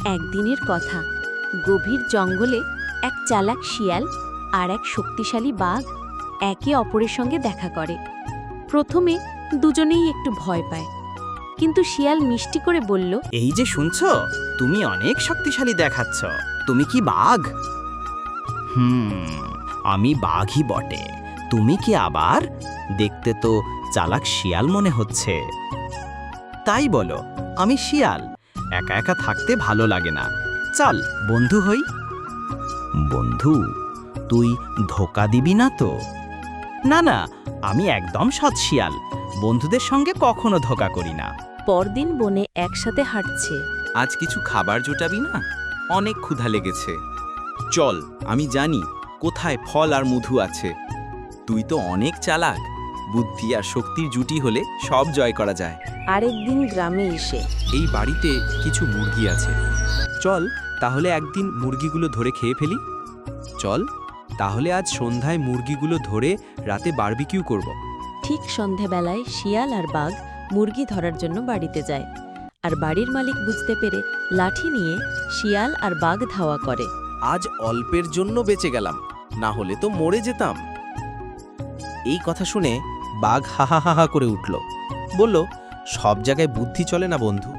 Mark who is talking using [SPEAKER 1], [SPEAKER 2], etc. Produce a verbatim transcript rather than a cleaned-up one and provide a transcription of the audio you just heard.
[SPEAKER 1] একদিনের কথা, গভীর জঙ্গলে এক চালাক শিয়াল আর এক শক্তিশালী বাঘ একে অপরের সঙ্গে দেখা করে। প্রথমে দুজনেই একটু ভয় পায়, কিন্তু শিয়াল মিষ্টি করে বলল,
[SPEAKER 2] এই যে শুনছো, তুমি অনেক শক্তিশালী দেখাচ্ছ। তুমি কি বাঘ? হুম, আমি বাঘই বটে। তুমি কি আবার? দেখতে তো চালাক শিয়াল মনে হচ্ছে। তাই বলো, আমি শিয়াল। একা একা থাকতে ভালো লাগে না। চল বন্ধু হই। বন্ধু? তুই ধোকা দিবি না তো? না না, আমি একদম সৎ শিয়াল। বন্ধুদের সঙ্গে কখনো ধোকা করি না।
[SPEAKER 1] পরদিন বনে একসাথে হাঁটছে।
[SPEAKER 3] আজ কিছু খাবার জোটাবি না? অনেক ক্ষুধা লেগেছে। চল, আমি জানি কোথায় ফল আর মধু আছে। তুই তো অনেক চালাক। বুদ্ধি আর শক্তির জুটি হলে সব জয় করা যায়।
[SPEAKER 1] আরেকদিন গ্রামে এসে
[SPEAKER 3] এই বাড়িতে কিছু মুরগি আছে। চল তাহলে একদিন মুরগিগুলো ধরে খেয়ে ফেলি। চল তাহলে আজ সন্ধ্যায় মুরগিগুলো ধরে রাতে বারবিকিউ করব।
[SPEAKER 1] ঠিক সন্ধেবেলায় শিয়াল আর বাঘ মুরগি ধরার জন্য বাড়িতে যায়, আর বাড়ির মালিক বুঝতে পেরে লাঠি নিয়ে শিয়াল আর বাঘ ধাওয়া করে।
[SPEAKER 4] আজ অল্পের জন্য বেঁচে গেলাম, না হলে তো মরে যেতাম। এই কথা শুনে বাঘ হা হা হা হা করে উঠল, বলল, সব জায়গায় বুদ্ধি চলে না বন্ধু।